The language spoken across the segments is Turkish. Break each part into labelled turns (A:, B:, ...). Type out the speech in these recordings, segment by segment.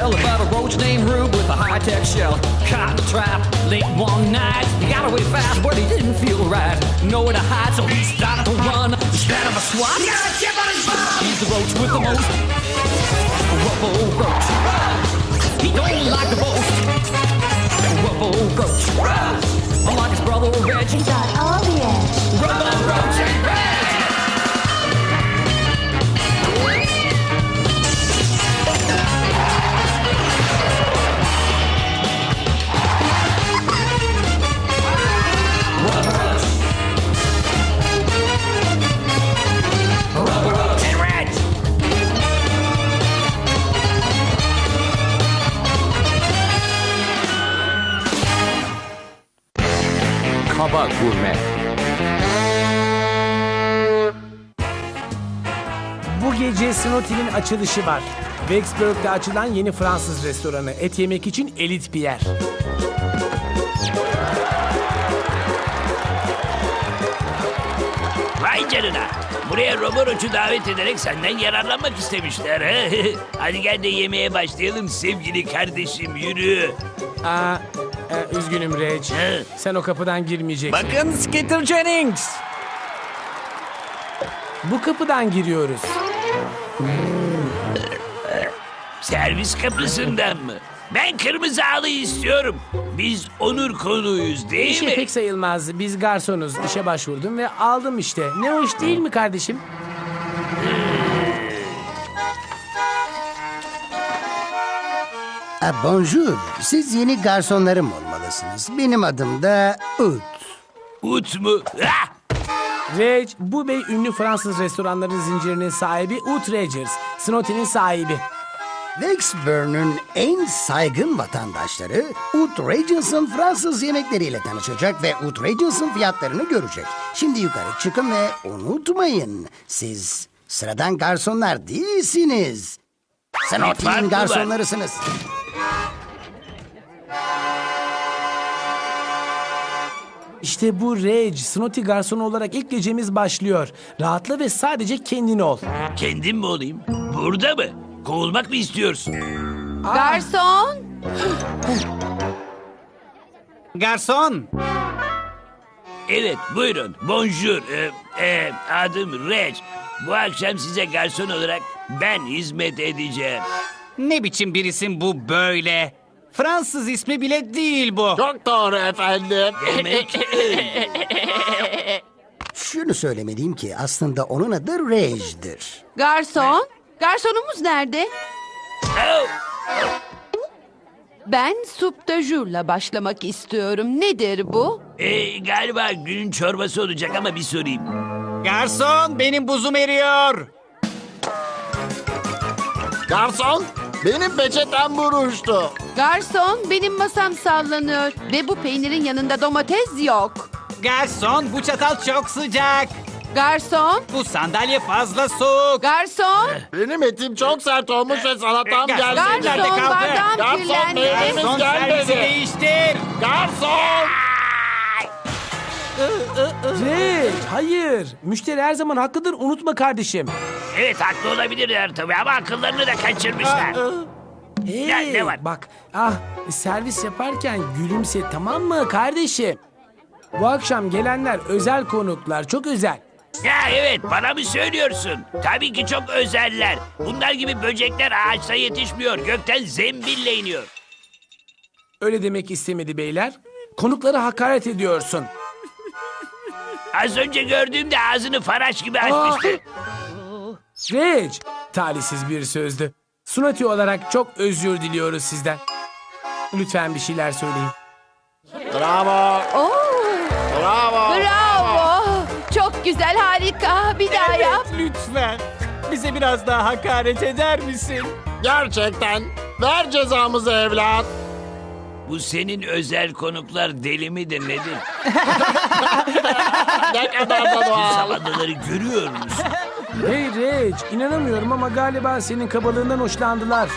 A: tell about a roach named Rube with a high-tech shell. Caught in a trap late one night. He got away fast, but he didn't feel right. Nowhere to hide, so he started to run. Instead of a swat, he got a chip on his butt. He's the roach with the most ruffle roach. He don't like to boast. Ruffle roach. Unlike his brother Reg,
B: He's got all the edge.
A: Ruffle roach and Reg.
C: Kaba Gurme.
D: Bu gece Snooty'nin açılışı var. Vicksburg'da açılan yeni Fransız restoranı. Et yemek için elit bir yer.
E: Vay canına. Buraya Roboroc'u davet ederek senden yararlanmak istemişler. He? Hadi gel de yemeğe başlayalım sevgili kardeşim, yürü.
D: Üzgünüm Reg.
E: He?
D: Sen o kapıdan girmeyeceksin.
C: Bakın Skitter Jennings.
D: Bu kapıdan giriyoruz.
E: Servis kapısından mı? Ben kırmızı halı istiyorum. Biz onur konuğuyuz değil
D: İşe
E: mi?
D: pek sayılmaz. Biz garsonuz. İşe başvurdum ve aldım işte. Ne hoş değil mi kardeşim?
F: Bonjour. Siz yeni garsonlarım olmalısınız. Benim adım da Ut.
E: Ut mu? Ah!
D: Reg, bu bey ünlü Fransız restoranları zincirinin sahibi Ut Regers. Snooty'nin sahibi.
F: Vicksburg'un en saygın vatandaşları Ut Regents'ın Fransız yemekleriyle tanışacak ve Ut Regents'ın fiyatlarını görecek. Şimdi yukarı çıkın ve unutmayın, siz sıradan garsonlar değilsiniz. Snooty'nin
E: fark mı var?
F: garsonlarısınız.
D: İşte bu Reg, Snooty garsonu olarak ilk gecemiz başlıyor. Rahatla ve sadece kendin ol.
E: Kendim mi olayım? Burada mı? Kovulmak mı istiyorsun?
G: Garson!
C: Garson.
E: Evet, buyurun. Bonjour. Adım Reg. Bu akşam size garson olarak ben hizmet edeceğim.
C: Ne biçim bir isim bu böyle? Fransız ismi bile değil bu.
H: Çok doğru efendim.
E: Demek öyle.
F: Şunu söylemeliyim ki aslında onun adı Reg'dir.
G: Garson! Garsonumuz nerede?
E: Oh!
G: Ben suptajurla başlamak istiyorum. Nedir bu?
E: Galiba günün çorbası olacak ama bir sorayım.
C: Garson, benim buzum eriyor.
H: Garson, benim peçetem buruştu.
G: Garson, benim masam sallanıyor. Ve bu peynirin yanında domates yok.
C: Garson, bu çatal çok sıcak.
G: Garson!
C: Bu sandalye fazla soğuk.
G: Garson!
H: Benim etim çok sert olmuş ve salatam
C: Garson,
H: geldi.
C: nerede
G: Garson,
C: kaldı?
G: bardağım
H: Garson,
G: kirlendi.
H: meyvemiz
C: Garson, servisi
H: gelmedi.
C: değiştir.
H: Garson!
D: Reg, hayır. Müşteri her zaman haklıdır, unutma kardeşim.
E: Evet, haklı olabilirler tabii ama akıllarını da kaçırmışlar.
D: Hey,
E: Ya, ne var?
D: bak, servis yaparken gülümse, tamam mı kardeşim? Bu akşam gelenler özel konuklar, çok özel.
E: Ya evet, bana mı söylüyorsun? Tabii ki çok özeller. Bunlar gibi böcekler ağaçta yetişmiyor. Gökten zembille iniyor.
D: Öyle demek istemedi beyler. Konuklara hakaret ediyorsun.
E: Az önce gördüğümde ağzını faraş gibi açmıştı.
D: Reg, talihsiz bir sözdü. Snooty olarak çok özür diliyoruz sizden. Lütfen bir şeyler söyleyin.
H: Bravo,
G: Oo,
H: bravo.
G: bravo! Çok güzel, harika. Bir daha yap.
C: Lütfen. Bize biraz daha hakaret eder misin?
H: Gerçekten. Ver cezamızı evlat.
E: Bu senin özel konuklar deli midir nedir?
H: Ne kadar da doğal.
E: Zavallıları görüyor musun?
D: Hey Reg, inanamıyorum ama galiba senin kabalığından hoşlandılar.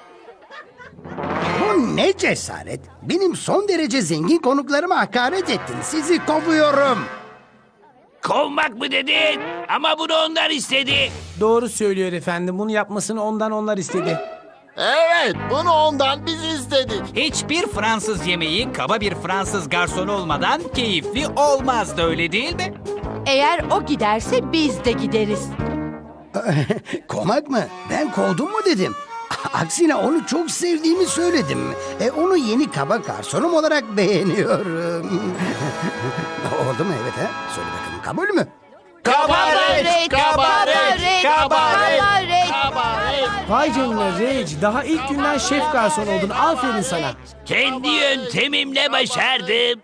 F: Bu ne cesaret? Benim son derece zengin konuklarıma hakaret ettin. Sizi kovuyorum.
E: Kovmak mı dedin? Ama bunu onlar istedi.
D: Doğru söylüyor efendim. Bunu yapmasını ondan onlar istedi.
H: Evet, bunu ondan biz istedik.
C: Hiçbir Fransız yemeği kaba bir Fransız garson olmadan keyifli olmazdı, öyle değil mi?
G: Eğer o giderse biz de gideriz.
F: Kovmak mı? Ben kovdum mu dedim. Aksine onu çok sevdiğimi söyledim. Onu yeni kaba garsonum olarak beğeniyorum. Oldu mu evet ha? Söyle bakalım kabul mü?
H: Kabaret, kabaret, kabaret,
G: kabaret.
H: kabaret.
D: Vay canına Rage, daha ilk günden şef garson oldun. Aferin sana.
E: Kendi yöntemimle başardım.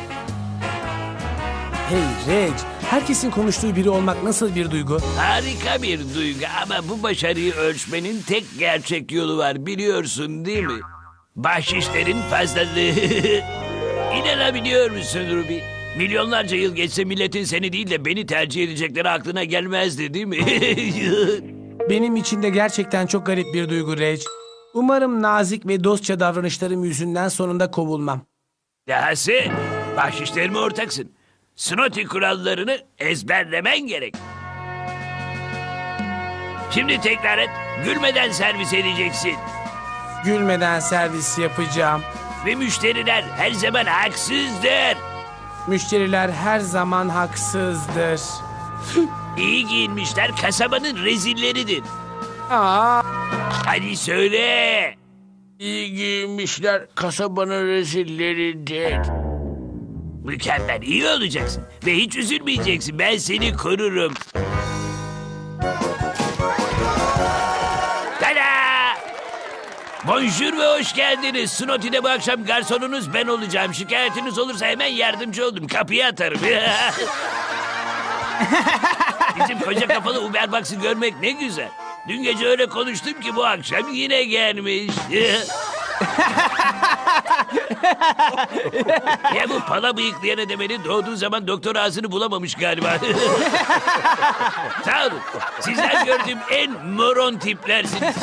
D: Hey Rage, herkesin konuştuğu biri olmak nasıl bir duygu?
E: Harika bir duygu ama bu başarıyı ölçmenin tek gerçek yolu var, biliyorsun değil mi? Bahşişlerin fazlalığı. İnanabiliyor musun Ruby? Milyonlarca yıl geçse milletin seni değil de beni tercih edecekleri aklına gelmezdi değil mi?
D: Benim için de gerçekten çok garip bir duygu Rage. Umarım nazik ve dostça davranışlarım yüzünden sonunda kovulmam.
E: Dahası bahşişlerime ortaksın. Snoti kurallarını ezberlemen gerek. Şimdi tekrar et. Gülmeden servis edeceksin.
D: Gülmeden servis yapacağım.
E: Ve müşteriler her zaman haksızdır.
D: Müşteriler her zaman haksızdır.
E: İyi giyinmişler kasabanın rezilleridir.
D: Aa,
E: Hadi söyle.
H: İyi giyinmişler kasabanın rezilleridir.
E: Mükemmel, iyi olacaksın. Ve hiç üzülmeyeceksin. Ben seni korurum. Tada! Bonjour ve hoş geldiniz. Snoty'de bu akşam garsonunuz ben olacağım. Şikayetiniz olursa hemen yardımcı oldum. Kapıyı atarım. Bizim koca kafalı Uberbox'ı görmek ne güzel. Dün gece öyle konuştum ki bu akşam yine gelmiş. Ya bu pala bıyıklayana demeli doğduğu zaman doktor ağzını bulamamış galiba. Sağ olun. Sizler gördüğüm en moron tiplersiniz.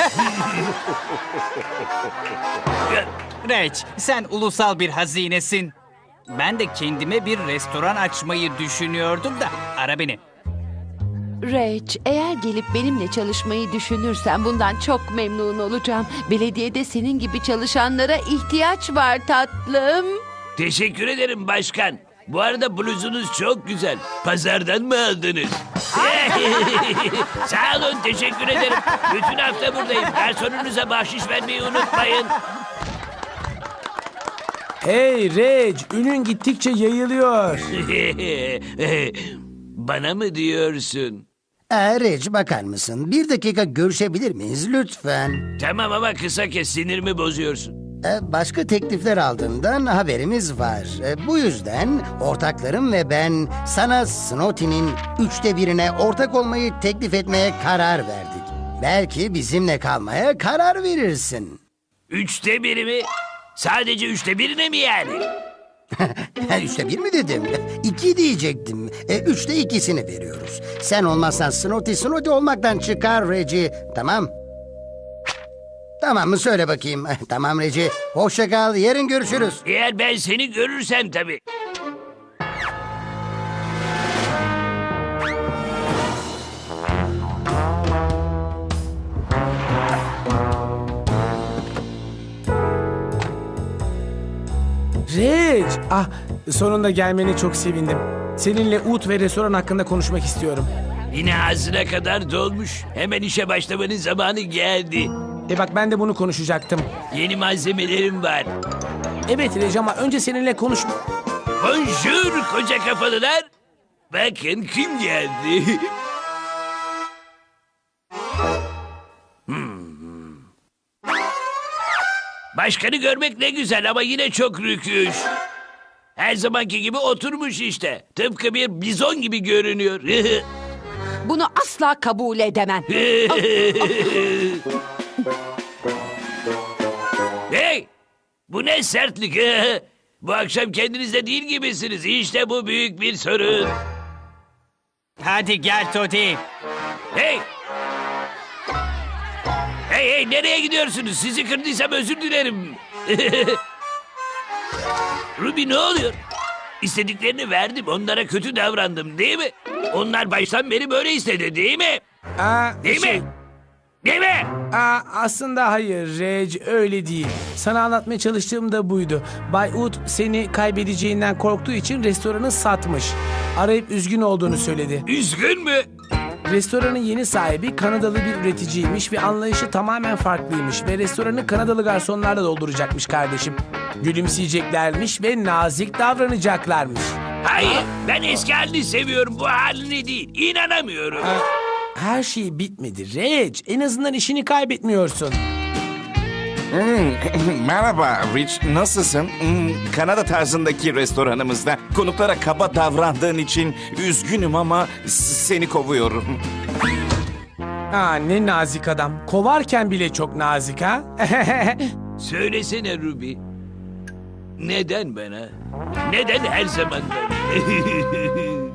C: Rage, sen ulusal bir hazinesin. Ben de kendime bir restoran açmayı düşünüyordum da ara beni.
G: Rage, eğer gelip benimle çalışmayı düşünürsen bundan çok memnun olacağım. Belediyede senin gibi çalışanlara ihtiyaç var tatlım.
E: Teşekkür ederim başkan. Bu arada bluzunuz çok güzel. Pazardan mı aldınız? Sağ olun, teşekkür ederim. Bütün hafta buradayım. Garsonunuza bahşiş vermeyi unutmayın.
D: hey Rage, ünün gittikçe yayılıyor.
E: Bana mı diyorsun?
F: Reg bakar mısın? Bir dakika görüşebilir miyiz lütfen?
E: Tamam ama kısa kes, sinirimi bozuyorsun.
F: Başka teklifler aldığından haberimiz var. Bu yüzden ortaklarım ve ben sana Snotty'nin 1/3'ine ortak olmayı teklif etmeye karar verdik. Belki bizimle kalmaya karar verirsin.
E: 1/3 mi? Sadece 1/3'ine mi yani?
F: 1/3 mi dedim? 2 diyecektim. 2/3'ünü veriyoruz. Sen olmazsan Snotty olmaktan çıkar Reggie. Tamam. Tamam mı söyle bakayım. Tamam Reggie. Hoşça kal. Yarın görüşürüz.
E: Eğer ben seni görürsem tabii.
D: Rage, sonunda gelmene çok sevindim. Seninle ut ve restoran hakkında konuşmak istiyorum.
E: Yine ağzına kadar dolmuş. Hemen işe başlamanın zamanı geldi.
D: Bak ben de bunu konuşacaktım.
E: Yeni malzemelerim var.
D: Evet Rage ama önce seninle konuş...
E: Bonjour koca kafalılar. Bakın kim geldi. Başkanı görmek ne güzel ama yine çok rüküş. Her zamanki gibi oturmuş işte. Tıpkı bir bizon gibi görünüyor.
G: Bunu asla kabul edemem.
E: Hey! Bu ne sertlik? Bu akşam kendinizde değil gibisiniz. İşte bu büyük bir sorun.
C: Hadi gel Toti.
E: Hey! Hey nereye gidiyorsunuz? Sizi kırdıysam özür dilerim. Ruby ne oluyor? İstediklerini verdim. Onlara kötü davrandım değil mi? Onlar baştan beri böyle istedi değil mi? Değil mi? Değil mi?
D: Aslında hayır Reg, öyle değil. Sana anlatmaya çalıştığım da buydu. Bay Wood seni kaybedeceğinden korktuğu için restoranı satmış. Arayıp üzgün olduğunu söyledi.
E: Üzgün mü?
D: Restoranın yeni sahibi Kanadalı bir üreticiymiş ve anlayışı tamamen farklıymış. Ve restoranı Kanadalı garsonlarla dolduracakmış kardeşim. Gülümseyeceklermiş ve nazik davranacaklarmış.
E: Hayır, ben eski halini seviyorum, bu halini değil. İnanamıyorum.
D: Her şey bitmedi Reg. En azından işini kaybetmiyorsun.
I: Merhaba Rich, nasılsın? Kanada tarzındaki restoranımızda konuklara kaba davrandığın için üzgünüm ama seni kovuyorum.
D: Ne nazik adam. Kovarken bile çok nazik ha.
E: Söylesene Ruby. Neden bana? Neden her zaman ben?